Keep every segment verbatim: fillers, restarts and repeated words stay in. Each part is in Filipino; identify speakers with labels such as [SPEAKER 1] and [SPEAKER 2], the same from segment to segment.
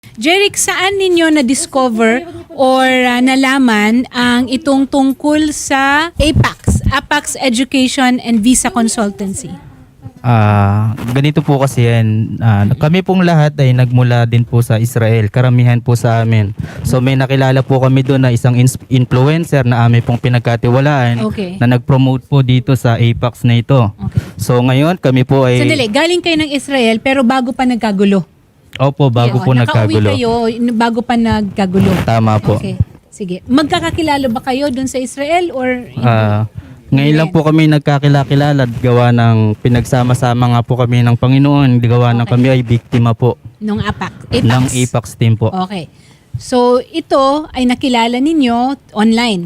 [SPEAKER 1] Jeric, saan ninyo na-discover or uh, nalaman ang itong tungkol sa APACS, APACS Education and Visa Consultancy?
[SPEAKER 2] Ah, ganito po kasi yan. Ah, kami pong lahat ay nagmula din po sa Israel. Karamihan po sa amin. So may nakilala po kami doon na isang ins- influencer na amin pong pinagkatiwalaan
[SPEAKER 1] Okay.
[SPEAKER 2] na nag-promote po dito sa APACS na ito.
[SPEAKER 1] Okay.
[SPEAKER 2] So ngayon kami po ay
[SPEAKER 1] Sandali, galing kayo ng Israel pero bago pa nagkagulo.
[SPEAKER 2] Opo, bago
[SPEAKER 1] Okay,
[SPEAKER 2] po
[SPEAKER 1] oh,
[SPEAKER 2] nagkagulo.
[SPEAKER 1] Nakauwi kayo n- bago pa nagkagulo.
[SPEAKER 2] Tama po.
[SPEAKER 1] Okay. Sige. Magkakakilala ba kayo doon sa Israel or hindi?
[SPEAKER 2] Ah, ngayon lang po kami nagkakilala at gawa ng pinagsama-sama nga po kami ng Panginoon. Gawa ng
[SPEAKER 1] Okay.
[SPEAKER 2] kami ay biktima po
[SPEAKER 1] nung APAC? APACS.
[SPEAKER 2] ng APACS team po.
[SPEAKER 1] Okay. So, ito ay nakilala ninyo online.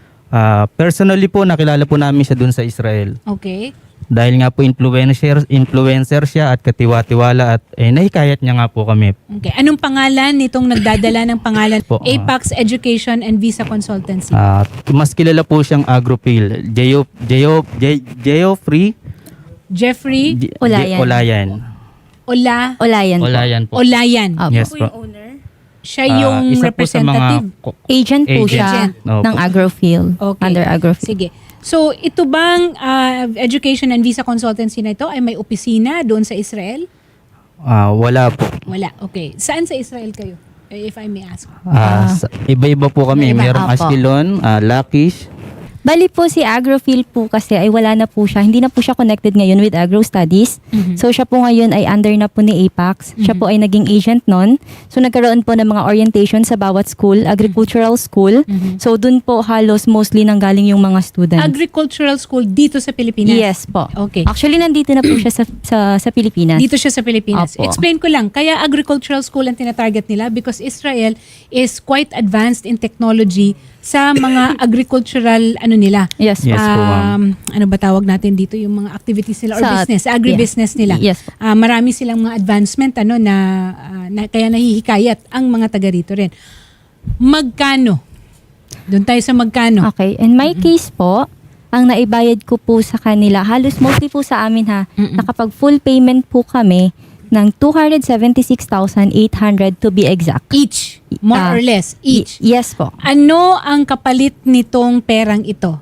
[SPEAKER 2] Ah, personally po, nakilala po namin siya dun sa Israel.
[SPEAKER 1] Okay.
[SPEAKER 2] Dahil nga po influencer, influencer siya at katiwa-tiwala at eh, nahikayat niya nga po kami.
[SPEAKER 1] Okay. Anong pangalan nitong nagdadala ng pangalan?
[SPEAKER 2] Po, ah.
[SPEAKER 1] APACS Education and Visa Consultancy.
[SPEAKER 2] Ah, mas kilala po siyang Agropil. Geo, Geo, Ge- Geoffrey
[SPEAKER 1] Jeffrey
[SPEAKER 2] Ge-
[SPEAKER 3] Olayan.
[SPEAKER 2] Ge- Olayan.
[SPEAKER 1] Ola
[SPEAKER 3] Olayan po.
[SPEAKER 2] Olayan po.
[SPEAKER 1] Olayan.
[SPEAKER 3] Opo.
[SPEAKER 2] Yes po.
[SPEAKER 1] Siya
[SPEAKER 2] Ah,
[SPEAKER 1] yung
[SPEAKER 2] isa po sa mga
[SPEAKER 1] representative.
[SPEAKER 2] ko-
[SPEAKER 3] Agent po
[SPEAKER 2] Agent.
[SPEAKER 3] siya
[SPEAKER 2] Opo.
[SPEAKER 3] ng Agrofield.
[SPEAKER 1] Okay.
[SPEAKER 3] Under Agrofield.
[SPEAKER 1] Sige. So, ito bang ah, Education and Visa Consultancy na ito ay may opisina doon sa Israel?
[SPEAKER 2] Ah, wala po.
[SPEAKER 1] Wala. Okay. Saan sa Israel kayo? Eh, If I may ask.
[SPEAKER 2] Ah, sa- iba-iba po kami.
[SPEAKER 3] Iba-iba.
[SPEAKER 2] Mayroong
[SPEAKER 3] Apo.
[SPEAKER 2] Ashkelon, ah, Lakish.
[SPEAKER 3] Bali po si Agrofield po kasi ay wala na po siya. Hindi na po siya connected ngayon with Agro Studies.
[SPEAKER 1] Mhm.
[SPEAKER 3] So siya po ngayon ay under na po ni APACS. Siya po ay naging agent nun. So nagkaroon po ng mga orientation sa bawat school, agricultural school.
[SPEAKER 1] Mhm.
[SPEAKER 3] So dun po halos mostly nanggaling yung mga students.
[SPEAKER 1] Agricultural School dito sa Pilipinas?
[SPEAKER 3] Yes po.
[SPEAKER 1] Okay.
[SPEAKER 3] Actually nandito na po siya sa sa, sa Pilipinas.
[SPEAKER 1] Dito siya sa Pilipinas.
[SPEAKER 3] Opo.
[SPEAKER 1] Explain ko lang, kaya agricultural school ang tinatarget nila because Israel is quite advanced in technology sa mga agricultural ano nila.
[SPEAKER 3] Yes.
[SPEAKER 2] Yes po, ma'am.
[SPEAKER 1] Um, ano ba tawag natin dito yung mga activities nila or
[SPEAKER 3] Sa-
[SPEAKER 1] business, agribusiness nila.
[SPEAKER 3] Yes po.
[SPEAKER 1] Ah, marami silang mga advancement ano na, ah, na kaya nahihikayat ang mga taga rito rin. Magkano? Doon tayo sa magkano.
[SPEAKER 3] Okay. In my case po, ang naibayad ko po sa kanila, halos mostly po sa amin ha,
[SPEAKER 1] Mm-mm.
[SPEAKER 3] nakapag full payment po kami ng two hundred seventy-six thousand eight hundred to be exact.
[SPEAKER 1] Each, more
[SPEAKER 3] Ah,
[SPEAKER 1] or less, each.
[SPEAKER 3] Y- yes po.
[SPEAKER 1] Ano ang kapalit nitong perang ito?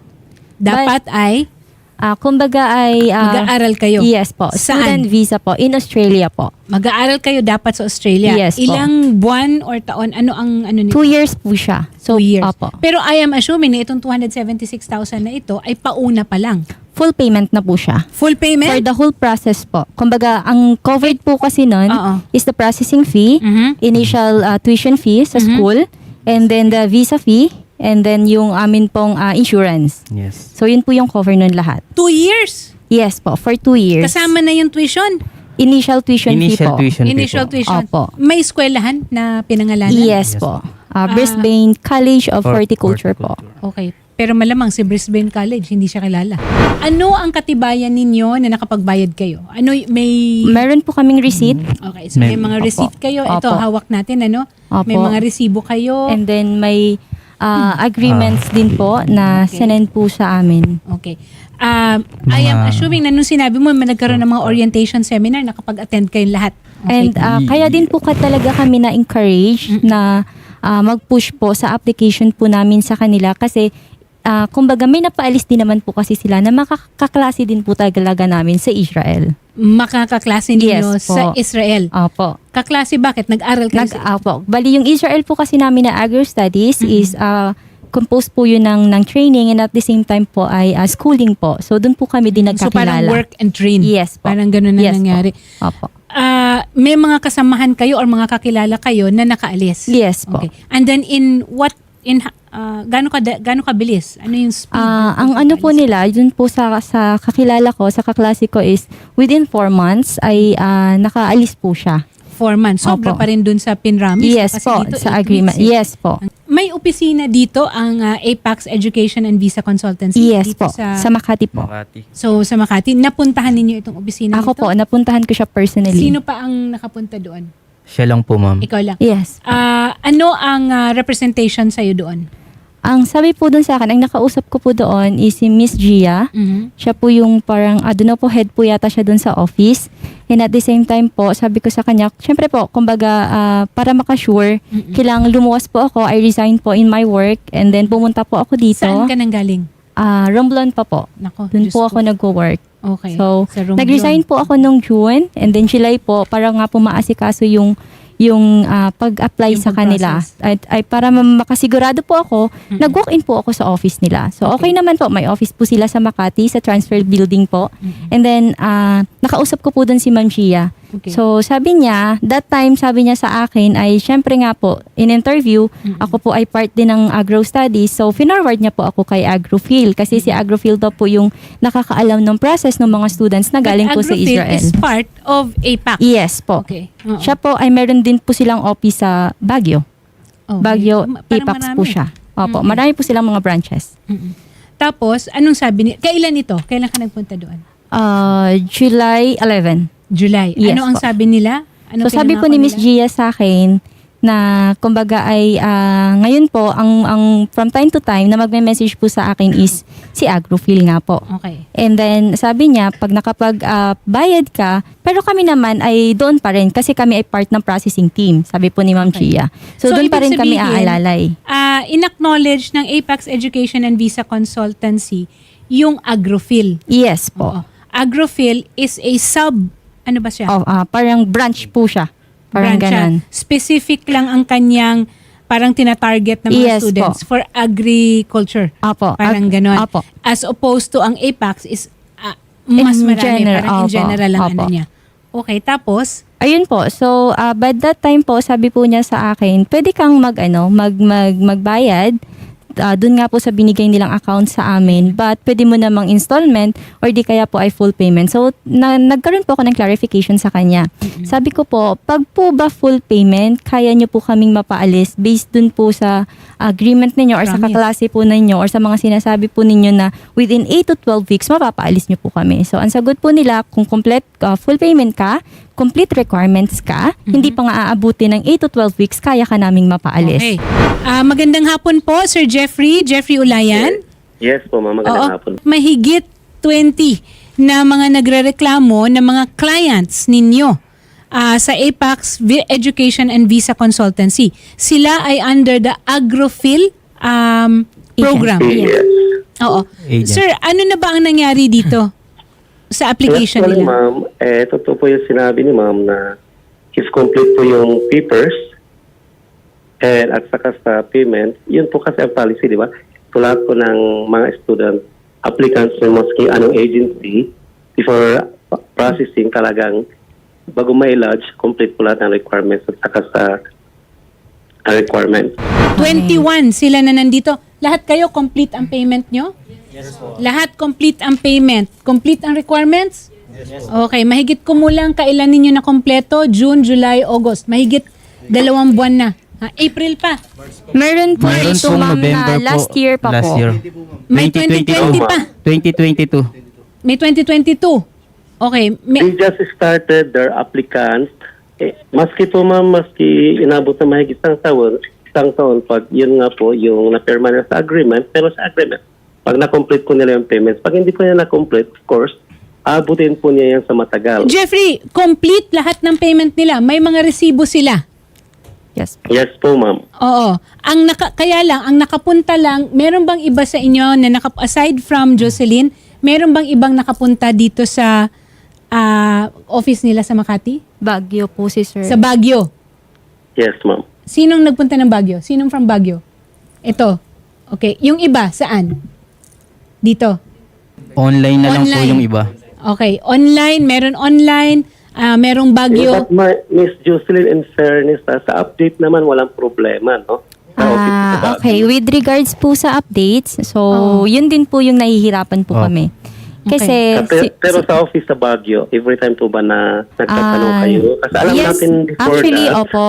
[SPEAKER 1] Dapat ay
[SPEAKER 3] Ah, kumbaga ay ah,
[SPEAKER 1] mag-aaral kayo.
[SPEAKER 3] yes po.
[SPEAKER 1] Saan?
[SPEAKER 3] Student visa po in Australia po.
[SPEAKER 1] Mag-aaral kayo dapat sa Australia.
[SPEAKER 3] Yes po.
[SPEAKER 1] Ilang buwan or taon? Ano ang ano nito?
[SPEAKER 3] Two years po siya. So,
[SPEAKER 1] Two years.
[SPEAKER 3] Opo.
[SPEAKER 1] Pero I am assuming na itong two hundred seventy-six thousand na ito ay pauna pa lang.
[SPEAKER 3] Full payment na po siya.
[SPEAKER 1] Full
[SPEAKER 3] For
[SPEAKER 1] payment?
[SPEAKER 3] the whole process po. Kumbaga, ang covered po kasi nun
[SPEAKER 1] Oo.
[SPEAKER 3] is the processing fee,
[SPEAKER 1] Mhm.
[SPEAKER 3] initial ah, tuition fee sa
[SPEAKER 1] Mhm.
[SPEAKER 3] school, and then the visa fee, and then yung amin pong ah, insurance.
[SPEAKER 2] Yes.
[SPEAKER 3] So, yun po yung cover nun lahat.
[SPEAKER 1] Two years.
[SPEAKER 3] Yes po, for two years.
[SPEAKER 1] Kasama na yung tuition.
[SPEAKER 3] Initial tuition fee
[SPEAKER 2] Initial
[SPEAKER 3] po.
[SPEAKER 2] tuition fee
[SPEAKER 1] Initial
[SPEAKER 2] po.
[SPEAKER 1] tuition.
[SPEAKER 3] Opo.
[SPEAKER 1] May eskwelahan na pinangalanan?
[SPEAKER 3] Yes,
[SPEAKER 2] Yes
[SPEAKER 3] po.
[SPEAKER 2] po.
[SPEAKER 3] Ah, Brisbane College of
[SPEAKER 2] Hort-
[SPEAKER 3] Horticulture po.
[SPEAKER 1] Okay. Pero malamang si Brisbane College, hindi siya kilala. Ano ang katibayan ninyo na nakapagbayad kayo? Ano y- may...
[SPEAKER 3] Meron po kaming receipt.
[SPEAKER 1] Okay, so may,
[SPEAKER 2] May-
[SPEAKER 1] mga
[SPEAKER 3] Opo.
[SPEAKER 1] receipt kayo. Ito,
[SPEAKER 3] Opo.
[SPEAKER 1] hawak natin, ano?
[SPEAKER 3] Opo.
[SPEAKER 1] May mga resibo kayo.
[SPEAKER 3] And then may ah, agreements din po na
[SPEAKER 1] Okay.
[SPEAKER 3] sinend po sa amin.
[SPEAKER 1] Okay. Um, I am
[SPEAKER 2] Mga-
[SPEAKER 1] assuming na nung sinabi mo, may nagkaroon ng mga orientation seminar, nakapag-attend kayong lahat. Okay.
[SPEAKER 3] And ah, kaya din po ka talaga kami na-encourage na ah, mag-push po sa application po namin sa kanila kasi ah, kumbaga may napaalis din naman po kasi sila na makakaklase din po talaga namin sa Israel.
[SPEAKER 1] Makakaklase ninyo
[SPEAKER 3] Yes po.
[SPEAKER 1] sa Israel.
[SPEAKER 3] Opo.
[SPEAKER 1] Kaklase bakit? Nag-aral kayo
[SPEAKER 3] Nag,
[SPEAKER 1] sa...
[SPEAKER 3] opo. Bali yung Israel po kasi namin na Agro Studies is ah, composed po yun ng, ng training and at the same time po ay ah, schooling po. So doon po kami din
[SPEAKER 1] So parang
[SPEAKER 3] nagkakilala.
[SPEAKER 1] work and train.
[SPEAKER 3] Yes po.
[SPEAKER 1] Parang ganun na
[SPEAKER 3] Yes po.
[SPEAKER 1] nangyari.
[SPEAKER 3] Opo.
[SPEAKER 1] Ah, may mga kasamahan kayo or mga kakilala kayo na nakaalis?
[SPEAKER 3] Yes po.
[SPEAKER 1] Okay. And then in what... in uh, gaano ka gaano kabilis? Ano yung speed?
[SPEAKER 3] Ah,
[SPEAKER 1] ng
[SPEAKER 3] ang ano po
[SPEAKER 1] pag-alis?
[SPEAKER 3] nila, yun po sa sa kakilala ko, sa kaklase ko is within four months ay ah, nakaalis po siya.
[SPEAKER 1] Four months. Sobra
[SPEAKER 3] Opo.
[SPEAKER 1] pa rin dun sa Pinramis.
[SPEAKER 3] Yes
[SPEAKER 1] Kasi
[SPEAKER 3] po,
[SPEAKER 1] dito,
[SPEAKER 3] sa
[SPEAKER 1] eight
[SPEAKER 3] agreement.
[SPEAKER 1] weeks eh.
[SPEAKER 3] Yes po.
[SPEAKER 1] May opisina dito ang uh, APACS Education and Visa Consultancy.
[SPEAKER 3] Yes
[SPEAKER 1] dito
[SPEAKER 3] po, sa, Makati po.
[SPEAKER 2] Makati.
[SPEAKER 1] So sa Makati, napuntahan ninyo itong opisina
[SPEAKER 3] Ako
[SPEAKER 1] nito?
[SPEAKER 3] po, napuntahan ko siya personally.
[SPEAKER 1] Sino pa ang nakapunta doon?
[SPEAKER 2] Siya lang po, ma'am.
[SPEAKER 1] Ikaw lang.
[SPEAKER 3] Yes.
[SPEAKER 1] Ah, ano ang ah, representation sa'yo doon?
[SPEAKER 3] Ang sabi po dun sa akin, ang nakausap ko po doon is si Miss Gia.
[SPEAKER 1] Mhm.
[SPEAKER 3] Siya po yung parang, I don't know po, head po yata siya dun sa office. And at the same time po, sabi ko sa kanya, syempre po, kumbaga, ah, para makasure,
[SPEAKER 1] Mm-mm.
[SPEAKER 3] kailangan lumuwas po ako. I resigned po in my work and then pumunta po ako dito.
[SPEAKER 1] Saan ka nang galing?
[SPEAKER 3] Ah, Romblon pa po.
[SPEAKER 1] Nako,
[SPEAKER 3] Doon
[SPEAKER 1] Diyos
[SPEAKER 3] po
[SPEAKER 1] ko.
[SPEAKER 3] ako nag-work.
[SPEAKER 1] Okay.
[SPEAKER 3] So,
[SPEAKER 1] Sa Romblon.
[SPEAKER 3] nag-resign po ako nung June and then July po para nga po maasikaso yung yung ah, pag-apply
[SPEAKER 1] Yung
[SPEAKER 3] sa kanila.
[SPEAKER 1] pag-process.
[SPEAKER 3] At ay para ma- makasigurado po ako,
[SPEAKER 1] Mm-mm.
[SPEAKER 3] nag-walk-in po ako sa office nila. So
[SPEAKER 1] Okay.
[SPEAKER 3] okay, naman po, may office po sila sa Makati sa transfer building po.
[SPEAKER 1] Mm-mm.
[SPEAKER 3] And then ah, nakausap ko po doon si Ma'am Gia.
[SPEAKER 1] Okay.
[SPEAKER 3] So sabi niya, that time sabi niya sa akin ay syempre nga po, in interview,
[SPEAKER 1] Mm-mm.
[SPEAKER 3] ako po ay part din ng agro studies. So finorward niya po ako kay Agrofil kasi si Agrofil daw po yung nakakaalam ng process ng mga students na galing
[SPEAKER 1] But
[SPEAKER 3] po sa
[SPEAKER 1] Agrofil
[SPEAKER 3] Israel.
[SPEAKER 1] is part of A PAC.
[SPEAKER 3] Yes po.
[SPEAKER 1] Okay. Oo.
[SPEAKER 3] Siya po ay meron din po silang office sa Baguio.
[SPEAKER 1] Okay.
[SPEAKER 3] Baguio,
[SPEAKER 1] Ma- parang
[SPEAKER 3] A PAX po
[SPEAKER 1] marami.
[SPEAKER 3] siya. Opo,
[SPEAKER 1] Mm-mm.
[SPEAKER 3] marami po silang mga branches.
[SPEAKER 1] Mm-mm. Tapos, anong sabi ni... Kailan ito? Kailan ka nagpunta doon?
[SPEAKER 3] Uh, July eleventh.
[SPEAKER 1] July.
[SPEAKER 3] Yes
[SPEAKER 1] ano ang
[SPEAKER 3] po.
[SPEAKER 1] sabi nila? Ano
[SPEAKER 3] So sabi po ni Miss Gia sa akin na kumbaga ay ah, ngayon po ang ang from time to time na magme-message po sa akin is si Agrofil nga po.
[SPEAKER 1] Okay.
[SPEAKER 3] And then sabi niya pag nakapag ah, bayad ka, pero kami naman ay doon pa rin kasi kami ay part ng processing team, sabi po ni Ma'am
[SPEAKER 1] Okay.
[SPEAKER 3] Gia. So,
[SPEAKER 1] So,
[SPEAKER 3] doon pa
[SPEAKER 1] ibig
[SPEAKER 3] rin kami
[SPEAKER 1] sabihin,
[SPEAKER 3] aalalay.
[SPEAKER 1] Ah, in-acknowledge ng Apex Education and Visa Consultancy yung Agrofil.
[SPEAKER 3] Yes po.
[SPEAKER 1] Oo. Agrofil is a sub, ano ba siya?
[SPEAKER 3] Oh, ah, parang branch po siya. Parang
[SPEAKER 1] Branch siya.
[SPEAKER 3] ganon.
[SPEAKER 1] Specific lang ang kanyang parang tina-target ng mga
[SPEAKER 3] Yes
[SPEAKER 1] students
[SPEAKER 3] po.
[SPEAKER 1] for agriculture.
[SPEAKER 3] Apo.
[SPEAKER 1] Parang
[SPEAKER 3] ag-
[SPEAKER 1] ganon.
[SPEAKER 3] Apo.
[SPEAKER 1] As opposed to ang Apex is ah, mas
[SPEAKER 3] In
[SPEAKER 1] marami.
[SPEAKER 3] general,
[SPEAKER 1] parang in
[SPEAKER 3] opo,
[SPEAKER 1] general ang ano
[SPEAKER 3] opo.
[SPEAKER 1] niya. Okay, tapos,
[SPEAKER 3] Ayun po. So, uh, by that time po, sabi po niya sa akin, pwede kang mag, ano, mag, mag, magbayad. Uh, doon nga po sa binigay nilang account sa amin. But pwede mo namang installment or di kaya po ay full payment. So, na, nagkaroon po ako ng clarification sa kanya. Sabi ko po, pag po ba full payment, kaya niyo po kaming mapaalis based dun po sa agreement ninyo or sa
[SPEAKER 1] Promise.
[SPEAKER 3] kaklase po ninyo or sa mga sinasabi po ninyo na within eight to twelve weeks, mapapaalis niyo po kami. So, ang sagot po nila, kung complete uh, full payment ka, complete requirements ka, hindi pa nga aabuti ng eight to twelve weeks, kaya ka naming mapaalis.
[SPEAKER 1] okay. Ah, magandang hapon po, Sir Jeffrey, Jeffrey Ulayan.
[SPEAKER 4] Yes po, ma'am. Magandang hapon.
[SPEAKER 1] Mahigit twenty na mga nagrereklamo na mga clients ninyo ah, sa Apex Vi- Education and Visa Consultancy. Sila ay under the Agrofil um, program.
[SPEAKER 4] Yes.
[SPEAKER 1] Oo.
[SPEAKER 2] Agent.
[SPEAKER 1] Sir, ano na ba ang nangyari dito sa application
[SPEAKER 4] Actually,
[SPEAKER 1] nila?
[SPEAKER 4] ma'am, eh, totoo po yung sinabi ni ma'am na if complete po yung papers and at saka sa payment, yun po kasi ang policy, di ba? Tulad po ng mga student applicants ng maski anong agency before processing talagang bago ma-lodge, complete po lahat ng requirements at saka sa uh, requirements.
[SPEAKER 1] twenty-one sila na nandito. Lahat kayo complete ang payment nyo? Yes po. Lahat complete ang payment. Complete ang requirements? Yes po. Okay, mahigit kumulang kailan ninyo na kompleto? June, July, August. Mahigit dalawang buwan na. Ha, April pa.
[SPEAKER 3] Meron po
[SPEAKER 2] Mayroon
[SPEAKER 3] ito,
[SPEAKER 2] pong
[SPEAKER 3] ma'am,
[SPEAKER 2] November
[SPEAKER 3] na last
[SPEAKER 2] po.
[SPEAKER 3] year pa
[SPEAKER 2] last
[SPEAKER 3] po.
[SPEAKER 2] Year.
[SPEAKER 1] May twenty twenty pa.
[SPEAKER 2] twenty twenty-two.
[SPEAKER 1] May twenty twenty-two. Okay. May,
[SPEAKER 4] They just started their applicants. Eh, maski po ma'am, maski inabot na mahigit isang taon, isang taon pag yun nga po yung na-perma na sa agreement, pero sa agreement, pag na-complete po nila yung payments, pag hindi po niya na-complete, of course, abutin po niya yan sa matagal.
[SPEAKER 1] Jeffrey, complete lahat ng payment nila. May mga resibo sila.
[SPEAKER 3] Yes po.
[SPEAKER 4] Yes po ma'am.
[SPEAKER 1] Oo. Ang naka, kaya lang, ang nakapunta lang, meron bang iba sa inyo na naka, aside from Jocelyn, meron bang ibang nakapunta dito sa ah, office nila sa Makati?
[SPEAKER 3] Baguio po si sir.
[SPEAKER 1] Sa Baguio.
[SPEAKER 4] Yes ma'am.
[SPEAKER 1] Sinong nagpunta ng Baguio? Sinong from Baguio? Ito. Okay. Yung iba, saan? Dito.
[SPEAKER 2] Online na lang po
[SPEAKER 1] Online.
[SPEAKER 2] yung iba.
[SPEAKER 1] Okay. Online, meron online, ah, merong Baguio.
[SPEAKER 4] But ma- Miss Jocelyn, in fairness, ah, sa update naman walang problema, no? Sa office sa
[SPEAKER 3] Ah,
[SPEAKER 4] Baguio.
[SPEAKER 3] okay. With regards po sa updates, so
[SPEAKER 1] Oh.
[SPEAKER 3] yun din po yung nahihirapan po
[SPEAKER 2] Oh.
[SPEAKER 3] kami. Kasi
[SPEAKER 4] Ah, pero,
[SPEAKER 3] si-
[SPEAKER 4] pero
[SPEAKER 3] si-
[SPEAKER 4] sa office sa Baguio, every time po ba na nagtatanong
[SPEAKER 3] Ah,
[SPEAKER 4] kayo? Kasi alam
[SPEAKER 3] yes,
[SPEAKER 4] natin before
[SPEAKER 3] actually,
[SPEAKER 4] that,
[SPEAKER 3] opo.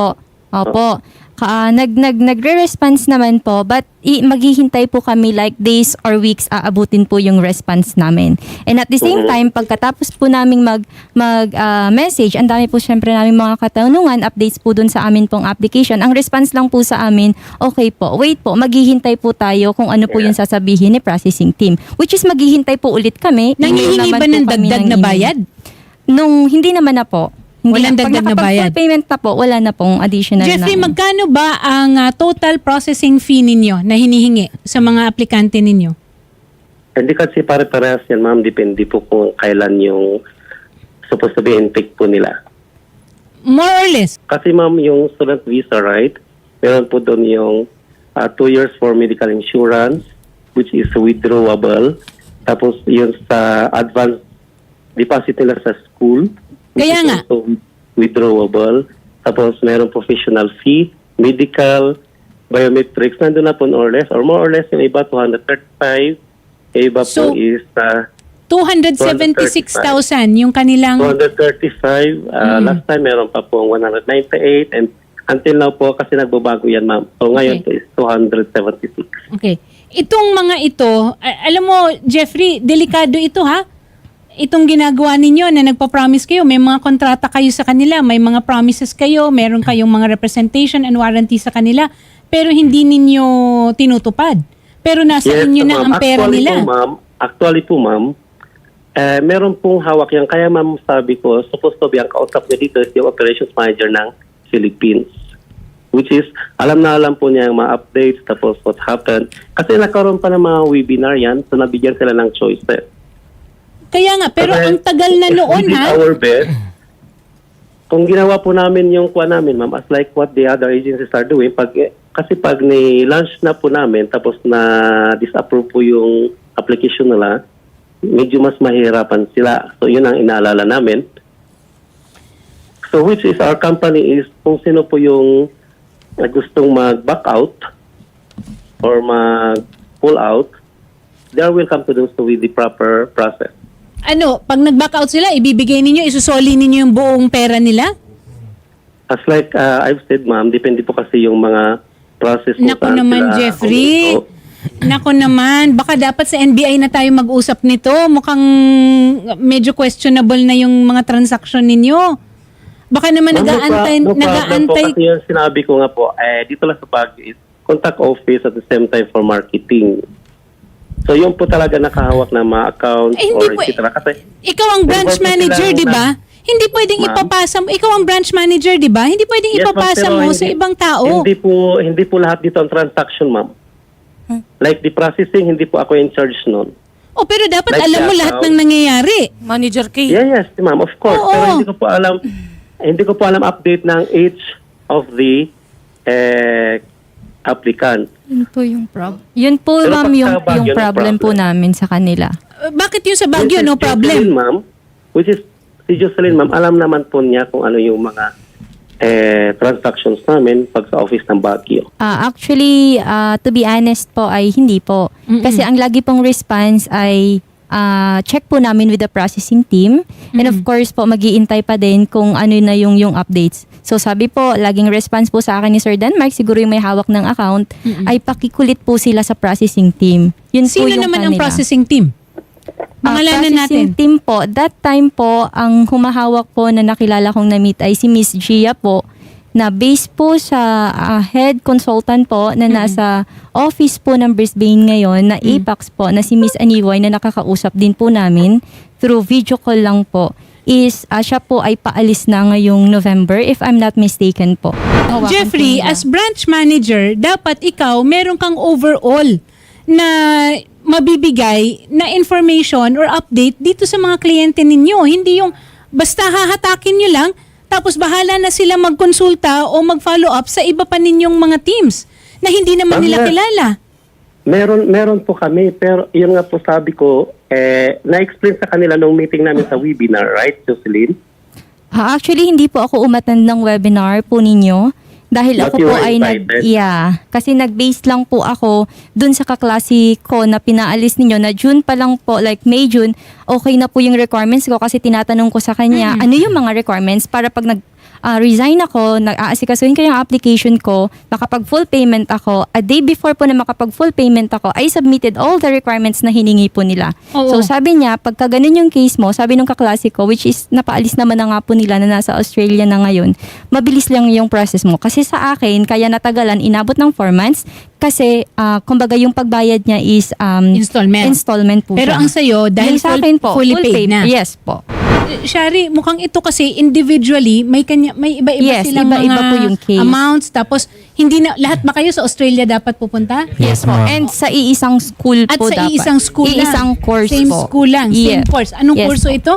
[SPEAKER 3] Opo. Ka, nag, nag, nagre-response naman po, but i, maghihintay po kami like days or weeks aabutin po yung response namin. And at the same time, pagkatapos po namin mag, mag ah, message, ang dami po syempre namin mga katanungan, updates po dun sa amin pong application. Ang response lang po sa amin, okay po, wait po, maghihintay po tayo kung ano po yung sasabihin ni processing team. Which is maghihintay po ulit kami. Email
[SPEAKER 1] Nangihingi
[SPEAKER 3] naman
[SPEAKER 1] ba
[SPEAKER 3] po
[SPEAKER 1] ng
[SPEAKER 3] kami
[SPEAKER 1] dagdag
[SPEAKER 3] ng
[SPEAKER 1] na
[SPEAKER 3] email.
[SPEAKER 1] bayad?
[SPEAKER 3] Nung hindi naman na po. Hindi
[SPEAKER 1] Walang
[SPEAKER 3] na,
[SPEAKER 1] dagdag na
[SPEAKER 3] pag nakapag
[SPEAKER 1] bayad?
[SPEAKER 3] full payment na po, wala na pong additional
[SPEAKER 1] Jeffrey,
[SPEAKER 3] na.
[SPEAKER 1] magkano ba ang ah, total processing fee ninyo na hinihingi sa mga aplikante ninyo?
[SPEAKER 4] Hindi kasi pare-parehas yan, ma'am. Depende po kung kailan yung supposed to be intake po nila.
[SPEAKER 1] More or less?
[SPEAKER 4] Kasi ma'am, yung student visa, right? Meron po doon yung uh, two years for medical insurance, which is withdrawable. Tapos yun sa advance deposit nila sa school, which
[SPEAKER 1] Kaya
[SPEAKER 4] is
[SPEAKER 1] nga.
[SPEAKER 4] also withdrawable. Tapos meron professional fee, medical, biometrics, nandun na po more or less, or more or less yung iba two hundred thirty-five, yung iba
[SPEAKER 1] So,
[SPEAKER 4] po is uh,
[SPEAKER 1] two hundred seventy-six thousand yung kanilang...
[SPEAKER 4] two hundred thirty-five. Uh, Last time meron pa po one hundred ninety-eight, and until now po kasi nagbabago yan, ma'am. So ngayon
[SPEAKER 1] Okay.
[SPEAKER 4] po is two hundred seventy-six.
[SPEAKER 1] Okay. Itong mga ito, a- alam mo, Jeffrey, delikado ito ha? Itong ginagawa ninyo na nagpa-promise kayo, may mga kontrata kayo sa kanila, may mga promises kayo, meron kayong mga representation and warranty sa kanila, pero hindi ninyo tinutupad. Pero nasa inyo na
[SPEAKER 4] ma'am.
[SPEAKER 1] ang pera
[SPEAKER 4] Actually
[SPEAKER 1] nila.
[SPEAKER 4] Po, ma'am, actually po, ma'am, eh, meron pong hawak yan. Kaya, ma'am, sabi ko, supposed to be ang kausap niya dito is yung operations manager ng Philippines. Which is, alam na alam po niya yung mga updates, tapos what happened. Kasi nagkaroon pa ng mga webinar yan, so nabigyan sila ng choices.
[SPEAKER 1] Kaya nga, pero
[SPEAKER 4] Kasi
[SPEAKER 1] ang tagal na
[SPEAKER 4] if
[SPEAKER 1] noon
[SPEAKER 4] we did
[SPEAKER 1] ha?
[SPEAKER 4] our best, kung ginawa po namin yung kuha namin, ma'am, as like what the other agencies are doing, pag, kasi pag ni-launch na po namin, tapos na disapprove po yung application nila, medyo mas mahirapan sila. So, yun ang inaalala namin. So, which is our company is kung sino po yung na gustong mag-back out or mag-pull out, they are welcome to do so with the proper process.
[SPEAKER 1] Ano, pag nag-back out sila, ibibigay ninyo, isusoli ninyo yung buong pera nila?
[SPEAKER 4] As like uh, I've said, ma'am, depende po kasi yung mga process kung
[SPEAKER 1] Naku
[SPEAKER 4] saan
[SPEAKER 1] naman,
[SPEAKER 4] sila
[SPEAKER 1] Jeffrey.
[SPEAKER 4] huminto.
[SPEAKER 1] Naku naman, baka dapat sa N B I na tayo mag-usap nito. Mukhang medyo questionable na yung mga transaction ninyo. Baka naman
[SPEAKER 4] Ma'am, no
[SPEAKER 1] nag-aantay,
[SPEAKER 4] pro- no problem
[SPEAKER 1] nag-aantay.
[SPEAKER 4] po kasi yung sinabi ko nga po, eh, dito lang sa Baguio is contact office at the same time for marketing. So yung po talaga nakahawak ng mga accounts
[SPEAKER 1] Eh, hindi
[SPEAKER 4] or
[SPEAKER 1] po-
[SPEAKER 4] et cetera. Kasi
[SPEAKER 1] Ikaw ang branch
[SPEAKER 4] Involved
[SPEAKER 1] manager,
[SPEAKER 4] sila
[SPEAKER 1] di ba?
[SPEAKER 4] na-
[SPEAKER 1] Hindi pwedeng
[SPEAKER 4] Ma'am?
[SPEAKER 1] ipapasa mo. Ikaw ang branch manager, di ba? Hindi pwedeng
[SPEAKER 4] Yes, ma'am,
[SPEAKER 1] ipapasa
[SPEAKER 4] pero
[SPEAKER 1] mo
[SPEAKER 4] hindi-
[SPEAKER 1] sa ibang tao.
[SPEAKER 4] Hindi po hindi po lahat dito ang transaction, ma'am. Like the processing, hindi po ako in charge noon.
[SPEAKER 1] O pero dapat
[SPEAKER 4] Like
[SPEAKER 1] alam mo
[SPEAKER 4] that,
[SPEAKER 1] lahat
[SPEAKER 4] how-
[SPEAKER 1] ng nangyayari.
[SPEAKER 5] Manager K.
[SPEAKER 4] Yeah, yes, ma'am, of course.
[SPEAKER 1] Oo.
[SPEAKER 4] Pero hindi ko po alam hindi ko po alam update ng each of the eh, applicant.
[SPEAKER 3] Yun po yung problem. Yun po,
[SPEAKER 4] Pero
[SPEAKER 3] ma'am,
[SPEAKER 4] pagka
[SPEAKER 3] yung,
[SPEAKER 4] Baguio,
[SPEAKER 3] yung
[SPEAKER 4] no
[SPEAKER 3] problem po
[SPEAKER 4] problem.
[SPEAKER 3] namin sa kanila.
[SPEAKER 1] Uh, bakit yung sa Baguio,
[SPEAKER 4] Which is
[SPEAKER 1] no
[SPEAKER 4] Jocelyn,
[SPEAKER 1] problem?
[SPEAKER 4] ma'am, which is si Jocelyn, ma'am, alam naman po niya kung ano yung mga eh, transactions namin pag sa office ng Baguio.
[SPEAKER 3] Ah, actually, ah, to be honest po ay hindi po. Kasi ang lagi pong response ay ah, check po namin with the processing team. And of course po, mag-iintay pa din kung ano na yung, yung updates. So sabi po, laging response po sa akin ni Sir Denmark, siguro yung may hawak ng account, ay pakikulit po sila sa processing team. Yun po
[SPEAKER 1] Sino
[SPEAKER 3] yung
[SPEAKER 1] naman ang
[SPEAKER 3] kanila.
[SPEAKER 1] processing team?
[SPEAKER 3] Ah,
[SPEAKER 1] Pangalanan
[SPEAKER 3] processing
[SPEAKER 1] natin.
[SPEAKER 3] team po, that time po, ang humahawak po na nakilala kong na-meet ay si Miss Gia po, na based po sa ah, head consultant po na nasa office po ng Brisbane ngayon na Apex po na si Miss Aniway na nakakausap din po namin through video call lang po is ah, siya po ay paalis na ngayong November if I'm not mistaken po.
[SPEAKER 1] Jeffrey, as branch manager, dapat ikaw meron kang overall na mabibigay na information or update dito sa mga kliyente ninyo. Hindi yung basta hahatakin nyo lang, tapos bahala na sila magkonsulta o mag-follow up sa iba pa ninyong mga teams na hindi naman
[SPEAKER 4] Ma'am,
[SPEAKER 1] nila
[SPEAKER 4] na-
[SPEAKER 1] kilala.
[SPEAKER 4] Meron meron po kami, pero yun nga po sabi ko, eh, na-explain sa kanila nung meeting namin sa webinar, right, Jocelyn?
[SPEAKER 3] Ah, actually, hindi po ako umattend ng webinar po ninyo. Dahil
[SPEAKER 4] But
[SPEAKER 3] ako
[SPEAKER 4] you
[SPEAKER 3] po
[SPEAKER 4] were
[SPEAKER 3] ay nag...
[SPEAKER 4] invited?
[SPEAKER 3] Yeah. Kasi nag-base lang po ako dun sa kaklase ko na pinaalis ninyo na June pa lang po, like May, June, okay na po yung requirements ko kasi tinatanong ko sa kanya, ano yung mga requirements para pag nag ah, resign ako, nag-aasikasuhin ko yung application ko, makapag full payment ako. A day before po na makapag full payment ako, I submitted all the requirements na hiningi po nila.
[SPEAKER 1] Oo.
[SPEAKER 3] So sabi niya, pagka ganun yung case mo, sabi nung kaklase ko, which is napaalis naman na nga po nila na nasa Australia na ngayon, mabilis lang yung process mo. Kasi sa akin, kaya natagalan, inabot ng four months, kasi ah, kumbaga yung pagbayad niya is um,
[SPEAKER 1] Installment.
[SPEAKER 3] installment po
[SPEAKER 1] Pero
[SPEAKER 3] siya.
[SPEAKER 1] ang sa'yo, dahil
[SPEAKER 3] Yung sa
[SPEAKER 1] full-
[SPEAKER 3] akin po,
[SPEAKER 1] fully
[SPEAKER 3] full
[SPEAKER 1] paid na.
[SPEAKER 3] Yes po.
[SPEAKER 1] Eh, Shari, mukhang ito kasi individually, may kanya may iba-iba
[SPEAKER 3] Yes,
[SPEAKER 1] silang
[SPEAKER 3] iba-iba
[SPEAKER 1] mga
[SPEAKER 3] po yung case.
[SPEAKER 1] amounts. Tapos, hindi na, lahat ba kayo sa Australia dapat pupunta?
[SPEAKER 2] Yes,
[SPEAKER 3] Po.
[SPEAKER 2] ma'am.
[SPEAKER 3] And sa iisang school
[SPEAKER 1] At
[SPEAKER 3] po
[SPEAKER 1] sa
[SPEAKER 3] dapat.
[SPEAKER 1] iisang school lang.
[SPEAKER 3] Iisang course
[SPEAKER 1] Same
[SPEAKER 3] po.
[SPEAKER 1] school lang, same
[SPEAKER 3] Yeah.
[SPEAKER 1] course. Anong
[SPEAKER 3] Yes
[SPEAKER 1] kurso
[SPEAKER 3] po.
[SPEAKER 1] ito?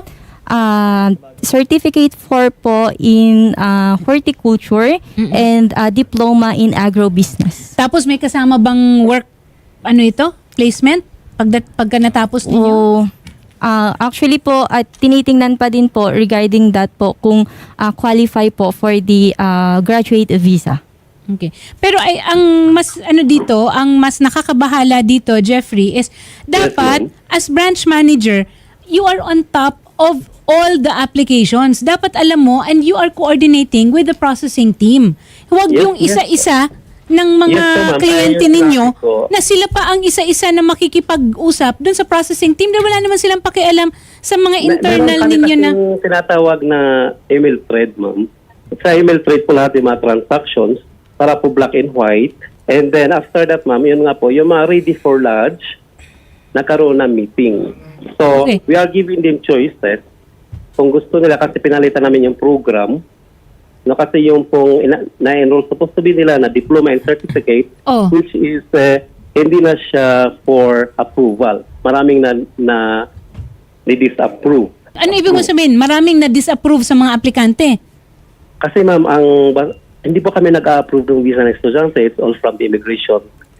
[SPEAKER 3] Ah, certificate four po in ah, horticulture and ah, diploma in agrobusiness.
[SPEAKER 1] Tapos may kasama bang work, ano ito? Placement? Pag, pagka natapos ninyo?
[SPEAKER 3] Oh, ah, actually po, at tinitingnan pa din po regarding that po kung ah, qualify po for the ah, graduate visa.
[SPEAKER 1] Okay. Pero ay ang mas ano dito, ang mas nakakabahala dito, Jeffrey, is dapat
[SPEAKER 4] ma'am.
[SPEAKER 1] as branch manager, you are on top of all the applications. Dapat alam mo and you are coordinating with the processing team. Huwag
[SPEAKER 4] Yes,
[SPEAKER 1] yung
[SPEAKER 4] yes.
[SPEAKER 1] isa-isa ng mga
[SPEAKER 4] Yes, ma'am.
[SPEAKER 1] kliyente
[SPEAKER 4] Ayun,
[SPEAKER 1] ninyo
[SPEAKER 4] sabi ko.
[SPEAKER 1] na sila pa ang isa-isa na makikipag-usap dun sa processing team dahil wala naman silang pakialam sa mga internal
[SPEAKER 4] Meron kami
[SPEAKER 1] ninyo na
[SPEAKER 4] kasing tinatawag na email thread, ma'am. Sa email thread po lahat yung mga transactions para po black and white. And then after that, ma'am, yun nga po, yung mga ready for lodge, nakaroon ng meeting. So,
[SPEAKER 1] Okay.
[SPEAKER 4] we are giving them choices. Kung gusto nila, kasi pinalitan namin yung program, no, kasi yung pong ina- na-enroll, supposed to be nila na diploma and certificate,
[SPEAKER 1] Oh.
[SPEAKER 4] which is uh, hindi na siya for approval. Maraming na, na di-disapprove.
[SPEAKER 1] ano ibig mo sabihin? Maraming na disapprove sa mga aplikante.
[SPEAKER 4] Kasi ma'am, ang ba- hindi po kami nag-approve ng visa ng estudyante. It's all from the immigration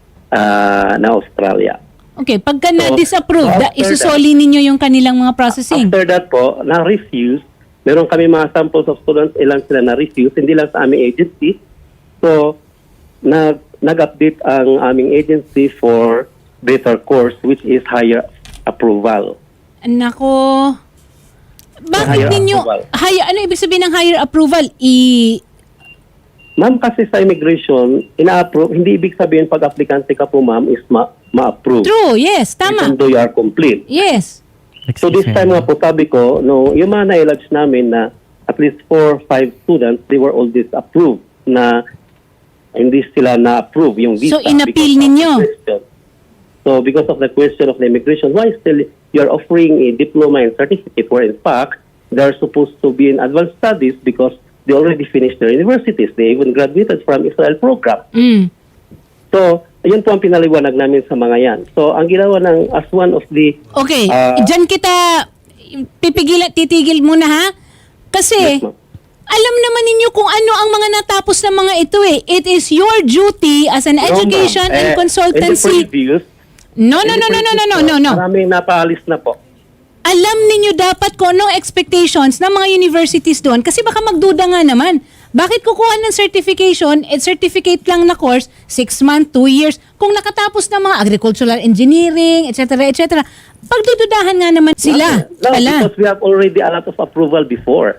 [SPEAKER 4] uh, na Australia.
[SPEAKER 1] Okay, pagka
[SPEAKER 4] So,
[SPEAKER 1] na-disapprove, da,
[SPEAKER 4] after
[SPEAKER 1] isusoli ninyo yung kanilang mga processing.
[SPEAKER 4] After that po, na-refuse. Meron kami mga samples of students, ilan sila na-refuse, hindi lang sa aming agency. So, nag, nag-update ang aming agency for better course, which is higher approval.
[SPEAKER 1] Nako. Bakit
[SPEAKER 4] Higher
[SPEAKER 1] ninyo,
[SPEAKER 4] approval.
[SPEAKER 1] higher, ano ibig sabihin ng higher approval? I,
[SPEAKER 4] Ma'am, kasi sa immigration, ina-approve, hindi ibig sabihin pag aplikante ka po, ma'am, is ma- ma-approve.
[SPEAKER 1] true, yes, tama.
[SPEAKER 4] Even though you are complete.
[SPEAKER 1] Yes.
[SPEAKER 4] So this time nga po, sabi ko, no, yung mga na-lodge namin na at least four, five students, they were all disapproved na hindi sila na-approve yung visa.
[SPEAKER 1] So, inappeal
[SPEAKER 4] because of the
[SPEAKER 1] ninyo?
[SPEAKER 4] question. So because of the question of the immigration, why still you're offering a diploma and certificate where in fact they're supposed to be in advanced studies because they already finished their universities. They even graduated from Israel program.
[SPEAKER 1] Mm.
[SPEAKER 4] So, ayun po ang pinaliwanag namin sa mga yan. So, ang ginawa ng as one of the
[SPEAKER 1] Okay,
[SPEAKER 4] Ah.
[SPEAKER 1] dyan kita pipigilan, titigil muna ha? Kasi,
[SPEAKER 4] Yes, ma'am.
[SPEAKER 1] alam naman ninyo kung ano ang mga natapos ng mga ito eh. It is your duty as an
[SPEAKER 4] No,
[SPEAKER 1] education
[SPEAKER 4] ma'am.
[SPEAKER 1] and
[SPEAKER 4] Eh,
[SPEAKER 1] consultancy.
[SPEAKER 4] in the previous,
[SPEAKER 1] No, no,
[SPEAKER 4] in
[SPEAKER 1] no,
[SPEAKER 4] the
[SPEAKER 1] no, no, no,
[SPEAKER 4] previous
[SPEAKER 1] no,
[SPEAKER 4] po,
[SPEAKER 1] no, no.
[SPEAKER 4] Maraming napaalis na po.
[SPEAKER 1] Alam ninyo dapat kung anong expectations ng mga universities doon kasi baka magduda nga naman. Bakit kukuha ng certification at certificate lang na course, six months, two years, kung nakatapos ng mga agricultural engineering, et cetera, et cetera. Pagdududahan nga naman sila.
[SPEAKER 4] No,
[SPEAKER 1] Pala.
[SPEAKER 4] because we have already a lot of approval before.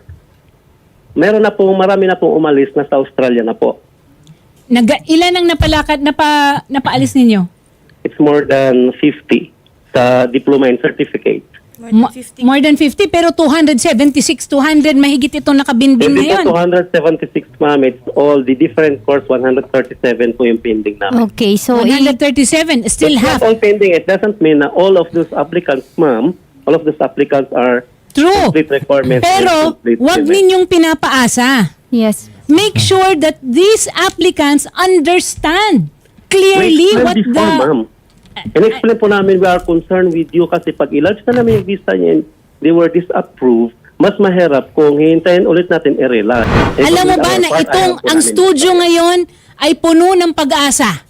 [SPEAKER 4] Meron na po, marami na pong umalis na sa Australia na po.
[SPEAKER 1] Nag, ilan ang napalakad, napa, napaalis ninyo?
[SPEAKER 4] It's more than fifty sa diploma and certificate.
[SPEAKER 1] Mo- More than fifty, pero two hundred seventy-six, two hundred, mahigit itong nakabinbin
[SPEAKER 4] Hindi
[SPEAKER 1] ngayon.
[SPEAKER 4] po two hundred seventy-six, ma'am. It's all the different course, one hundred thirty-seven po yung pending namin.
[SPEAKER 3] Okay, so
[SPEAKER 1] one
[SPEAKER 3] i-
[SPEAKER 1] hundred thirty-seven, still
[SPEAKER 4] It's
[SPEAKER 1] half.
[SPEAKER 4] not all pending. It doesn't mean na all of those applicants, ma'am, all of those applicants are
[SPEAKER 1] True.
[SPEAKER 4] complete requirements. and
[SPEAKER 1] Pero,
[SPEAKER 4] complete
[SPEAKER 1] wag
[SPEAKER 4] payment.
[SPEAKER 1] ninyong pinapaasa.
[SPEAKER 3] yes.
[SPEAKER 1] Make sure that these applicants understand clearly
[SPEAKER 4] We
[SPEAKER 1] what
[SPEAKER 4] explained before,
[SPEAKER 1] the...
[SPEAKER 4] ma'am. In-explain po namin, we are concerned with you kasi pag i-lodge na namin yung visa niya and they were disapproved, mas mahirap kung hihintayin ulit natin i-relodge. Eh,
[SPEAKER 1] Alam mo
[SPEAKER 4] with
[SPEAKER 1] ba
[SPEAKER 4] our
[SPEAKER 1] na
[SPEAKER 4] part,
[SPEAKER 1] itong
[SPEAKER 4] ayaw po
[SPEAKER 1] ang
[SPEAKER 4] namin.
[SPEAKER 1] studio ngayon ay puno ng pag-asa?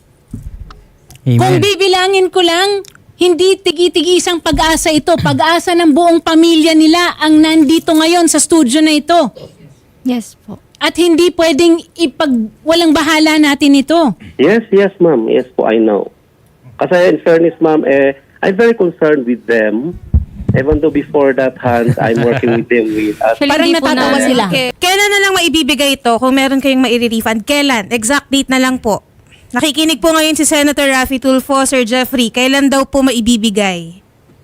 [SPEAKER 1] Kung
[SPEAKER 2] Amen.
[SPEAKER 1] bibilangin ko lang, hindi tigi-tigi isang pag-asa ito. Pag-asa ng buong pamilya nila ang nandito ngayon sa studio na ito.
[SPEAKER 3] Yes po.
[SPEAKER 1] At hindi pwedeng ipag walang bahala natin ito.
[SPEAKER 4] Yes, yes, ma'am. Yes po, I know. Kasi in fairness, ma'am, eh, I'm very concerned with them Even though before that, Hans, I'm working with them with us.
[SPEAKER 3] Actually,
[SPEAKER 1] Parang
[SPEAKER 3] hindi po
[SPEAKER 1] natatawa
[SPEAKER 3] na-
[SPEAKER 1] sila.
[SPEAKER 5] Okay. Kailan na lang maibibigay ito kung meron kayong maire-refund? Kailan? Exact date na lang po. Nakikinig po ngayon si Senator Raffy Tulfo, Sir Jeffrey. Kailan daw po maibibigay?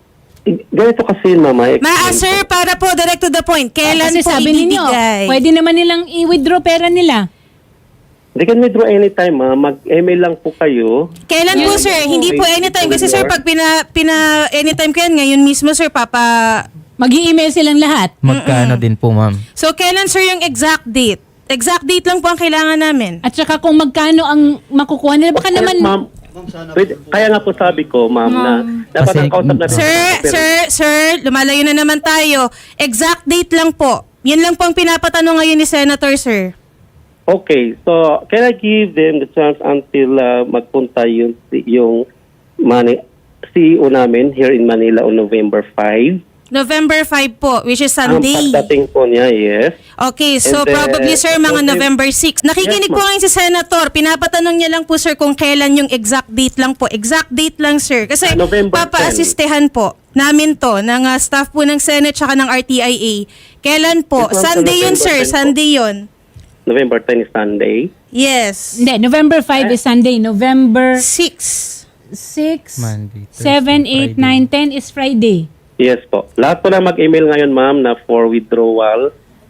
[SPEAKER 4] Ganito kasi, Mama.
[SPEAKER 5] Ma, sir, para po direct to the point. Kailan
[SPEAKER 1] Kasi
[SPEAKER 5] po
[SPEAKER 1] sabi ninyo,
[SPEAKER 5] ibibigay?
[SPEAKER 1] pwede naman nilang i-withdraw pera nila.
[SPEAKER 4] They can withdraw anytime, ma. Mag-email lang po kayo.
[SPEAKER 5] Kailan po,
[SPEAKER 1] Yes.
[SPEAKER 5] sir? Hindi po anytime. Kasi, sir, pag pina, pina anytime ko yan, ngayon mismo, sir, papa...
[SPEAKER 1] Mag-i-email silang lahat.
[SPEAKER 2] Magkano din po, ma'am?
[SPEAKER 5] So, kailan, sir, yung exact date? Exact date lang po ang kailangan namin.
[SPEAKER 1] At saka kung magkano ang makukuha nila. Baka naman,
[SPEAKER 4] Ma'am, pwede- kaya nga po sabi ko, ma'am, na dapat
[SPEAKER 2] Kasi-
[SPEAKER 4] ang kausap natin.
[SPEAKER 5] Sir, sir, sir, lumalayo na naman tayo. Exact date lang po. Yan lang po ang pinapatanong ngayon ni Senator, sir.
[SPEAKER 4] Okay, so can I give them the chance until uh, magpunta yung, yung Mani- C E O namin here in Manila on November fifth?
[SPEAKER 5] November fifth po, which is
[SPEAKER 4] Ang
[SPEAKER 5] Sunday.
[SPEAKER 4] pagdating po niya, yes.
[SPEAKER 5] Okay, so
[SPEAKER 4] And then,
[SPEAKER 5] probably, sir, mga
[SPEAKER 4] okay.
[SPEAKER 5] November sixth. Nakikinig
[SPEAKER 4] Yes,
[SPEAKER 5] po
[SPEAKER 4] ma'am.
[SPEAKER 5] ngayon si Senator. Pinapatanong niya lang po, sir, kung kailan yung exact date lang po. Exact date lang, sir. Kasi
[SPEAKER 4] Ah, November
[SPEAKER 5] papa-assistehan po namin to ng uh, staff po ng Senate tsaka ng R T I A. Kailan po?
[SPEAKER 4] Yes, ma'am,
[SPEAKER 5] Sunday
[SPEAKER 4] sa
[SPEAKER 5] yun,
[SPEAKER 4] November
[SPEAKER 5] sir.
[SPEAKER 4] tenth po.
[SPEAKER 5] Sunday yun.
[SPEAKER 4] November tenth is Sunday.
[SPEAKER 5] Yes.
[SPEAKER 1] hindi, November fifth is Sunday. November
[SPEAKER 5] Six.
[SPEAKER 1] six,
[SPEAKER 2] Monday, Thursday,
[SPEAKER 1] seven, eight,
[SPEAKER 2] Friday.
[SPEAKER 1] nine, ten is Friday.
[SPEAKER 4] Yes po. Lahat po na mag-email ngayon, ma'am, na for withdrawal.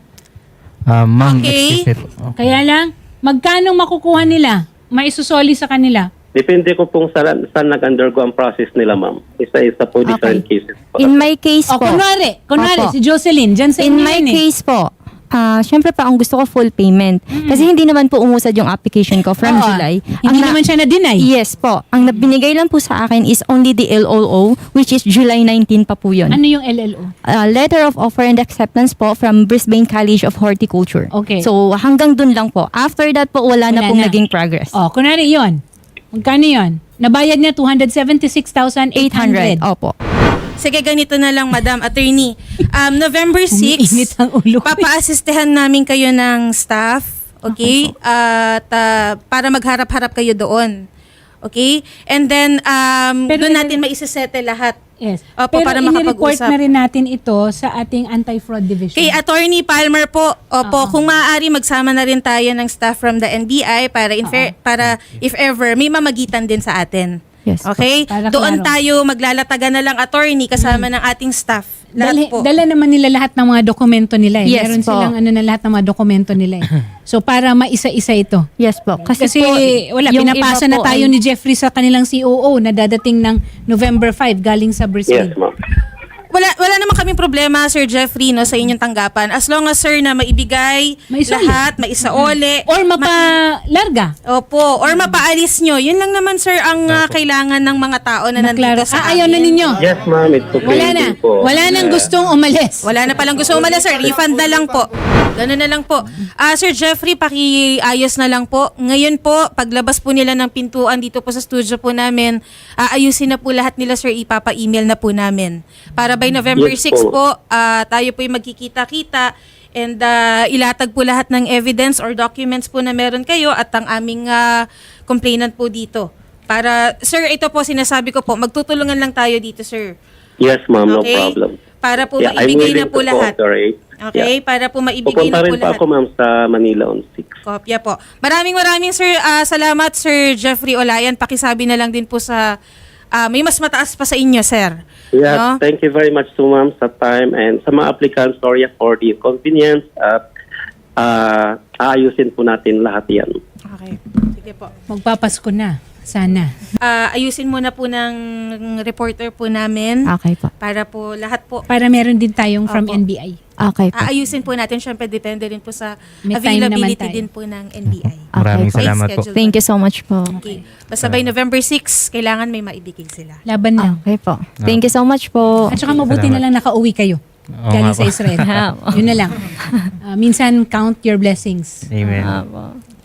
[SPEAKER 2] Ah, ma'am,
[SPEAKER 5] Okay.
[SPEAKER 2] excuse me po.
[SPEAKER 1] Kaya lang, magkano makukuha nila? Maisusoli sa kanila.
[SPEAKER 4] Depende ko kung saan, saan nag-undergo ang process nila, ma'am. Isa-isa po different cases po.
[SPEAKER 3] In my case
[SPEAKER 1] O,
[SPEAKER 3] po.
[SPEAKER 1] kunwari, kunwari,
[SPEAKER 3] Opo.
[SPEAKER 1] si Jocelyn, dyan sa
[SPEAKER 3] In
[SPEAKER 1] inyo
[SPEAKER 3] my
[SPEAKER 1] yan eh.
[SPEAKER 3] case po, ah syempre pa ang gusto ko full payment. Kasi hindi naman po umusad yung application ko from
[SPEAKER 1] Oo.
[SPEAKER 3] July.
[SPEAKER 1] Hindi
[SPEAKER 3] na-
[SPEAKER 1] naman siya na-deny.
[SPEAKER 3] Yes po. Ang binigay lang po sa akin is only the L O O, which is July nineteenth pa po yun.
[SPEAKER 1] Ano yung L L O?
[SPEAKER 3] Uh, letter of offer and acceptance po from Brisbane College of Horticulture.
[SPEAKER 1] Okay.
[SPEAKER 3] So hanggang dun lang po. After that po, wala, na
[SPEAKER 1] Wala
[SPEAKER 3] pong
[SPEAKER 1] na.
[SPEAKER 3] naging progress.
[SPEAKER 1] O, kunwari yun. Magkano yun? Nabayad niya two hundred seventy-six thousand eight hundred.
[SPEAKER 3] Opo.
[SPEAKER 5] Sige, ganito na lang, Madam Attorney. Um, November sixth,
[SPEAKER 1] Umiinit ang ulo ko.
[SPEAKER 5] papa-assistehan namin kayo ng staff, okay? At ah, para magharap-harap kayo doon. Okay? And then, um,
[SPEAKER 1] Pero
[SPEAKER 5] doon
[SPEAKER 1] in-
[SPEAKER 5] natin maisesettle lahat.
[SPEAKER 1] Yes.
[SPEAKER 5] Opo,
[SPEAKER 1] Pero
[SPEAKER 5] para
[SPEAKER 1] inireport
[SPEAKER 5] makapag-usap.
[SPEAKER 1] na rin natin ito sa ating anti-fraud division.
[SPEAKER 5] Kay Attorney Palmer po, opo, kung maaari magsama na rin tayo ng staff from the N B I para, in fair- para if ever, may mamagitan din sa atin.
[SPEAKER 3] Yes.
[SPEAKER 5] Okay?
[SPEAKER 1] Para
[SPEAKER 5] Doon
[SPEAKER 1] klaro.
[SPEAKER 5] tayo maglalatagan na lang attorney kasama ng ating staff. Lahat
[SPEAKER 1] Dali,
[SPEAKER 5] po.
[SPEAKER 1] dala naman nila lahat ng mga dokumento nila eh.
[SPEAKER 3] Yes
[SPEAKER 1] Meron
[SPEAKER 3] po.
[SPEAKER 1] silang ano na lahat ng mga dokumento nila eh. So para maisa-isa ito.
[SPEAKER 3] Yes po. Kasi,
[SPEAKER 1] Kasi
[SPEAKER 3] po,
[SPEAKER 1] wala,
[SPEAKER 3] yung
[SPEAKER 1] pinapasa
[SPEAKER 3] iba
[SPEAKER 1] na
[SPEAKER 3] po
[SPEAKER 1] tayo
[SPEAKER 3] ay-
[SPEAKER 1] ni Jeffrey sa kanilang C O O na dadating ng November fifth galing sa Brazil.
[SPEAKER 4] Yes, ma'am.
[SPEAKER 5] Wala wala naman kaming problema, Sir Jeffrey, no, sa inyong tanggapan. As long as, sir, na maibigay
[SPEAKER 1] Maisoli.
[SPEAKER 5] lahat, maisaole.
[SPEAKER 1] Or mapalarga.
[SPEAKER 5] Opo, or mapaalis nyo. Yun lang naman, sir, ang ah, kailangan ng mga tao na nandito
[SPEAKER 1] Maklaro.
[SPEAKER 5] sa
[SPEAKER 1] Ah, ayaw na
[SPEAKER 5] amin.
[SPEAKER 1] ninyo.
[SPEAKER 4] Yes, ma'am. It's okay.
[SPEAKER 1] Wala na.
[SPEAKER 4] po.
[SPEAKER 1] Wala nang
[SPEAKER 4] Yeah.
[SPEAKER 1] gustong umalis.
[SPEAKER 5] Wala na palang gusto umalis, sir. Refund na lang po. Ganun na lang po. Ah, Sir Jeffrey, pakiayos na lang po. Ngayon po, paglabas po nila ng pintuan dito po sa studio po namin, aayusin na po lahat nila, sir. Ipapa-email na po namin. Para by November
[SPEAKER 4] Yes
[SPEAKER 5] sixth
[SPEAKER 4] po.
[SPEAKER 5] po, ah, tayo po yung magkikita-kita and ah, ilatag po lahat ng evidence or documents po na meron kayo at ang aming ah, complainant po dito. Para, sir, ito po sinasabi ko po, magtutulungan lang tayo dito, sir.
[SPEAKER 4] Yes, ma'am. No
[SPEAKER 5] Okay?
[SPEAKER 4] problem.
[SPEAKER 5] Para po
[SPEAKER 4] Yeah, I'm
[SPEAKER 5] maibigay na
[SPEAKER 4] willing
[SPEAKER 5] po
[SPEAKER 4] to
[SPEAKER 5] lahat.
[SPEAKER 4] cooperate.
[SPEAKER 5] Okay?
[SPEAKER 4] Yeah.
[SPEAKER 5] Para po maibigay
[SPEAKER 4] Pupunta
[SPEAKER 5] na po
[SPEAKER 4] rin pa
[SPEAKER 5] lahat.
[SPEAKER 4] ako, ma'am, sa Manila on sixth.
[SPEAKER 5] Kopya po. Maraming maraming sir, ah, salamat Sir Jeffrey Olayan. Pakisabi na lang din po sa, ah, may mas mataas pa sa inyo, sir.
[SPEAKER 4] Yeah,
[SPEAKER 5] No?
[SPEAKER 4] thank you very much to ma'am sa time and sa mga applicants, sorry for the inconvenience at uh, aayusin po natin lahat yan.
[SPEAKER 5] Okay. Sige po.
[SPEAKER 1] Magpapasko na. Sana.
[SPEAKER 5] Ah, ayusin muna po ng reporter po namin
[SPEAKER 3] Okay po.
[SPEAKER 5] para po lahat po.
[SPEAKER 1] Para meron din tayong from
[SPEAKER 5] Opo.
[SPEAKER 1] N B I.
[SPEAKER 3] Okay po.
[SPEAKER 5] Aayusin po natin. Siyempre, depende rin po sa
[SPEAKER 1] May time naman
[SPEAKER 5] availability
[SPEAKER 1] tayo.
[SPEAKER 5] din po ng N B I.
[SPEAKER 2] Maraming
[SPEAKER 3] Okay po.
[SPEAKER 2] salamat po.
[SPEAKER 5] Schedule
[SPEAKER 3] Thank you so much po.
[SPEAKER 5] Okay. Basta by November sixth, kailangan may maibigay sila.
[SPEAKER 1] Laban na.
[SPEAKER 3] Okay po. Thank you so much po.
[SPEAKER 1] At saka mabuti
[SPEAKER 2] Salamat.
[SPEAKER 1] na lang nakauwi kayo.
[SPEAKER 2] Oo
[SPEAKER 1] Galing
[SPEAKER 2] nga
[SPEAKER 1] sa
[SPEAKER 2] po.
[SPEAKER 1] Israel. Yun na lang. Ah, minsan, count your blessings.
[SPEAKER 2] Amen.
[SPEAKER 3] Ah, po.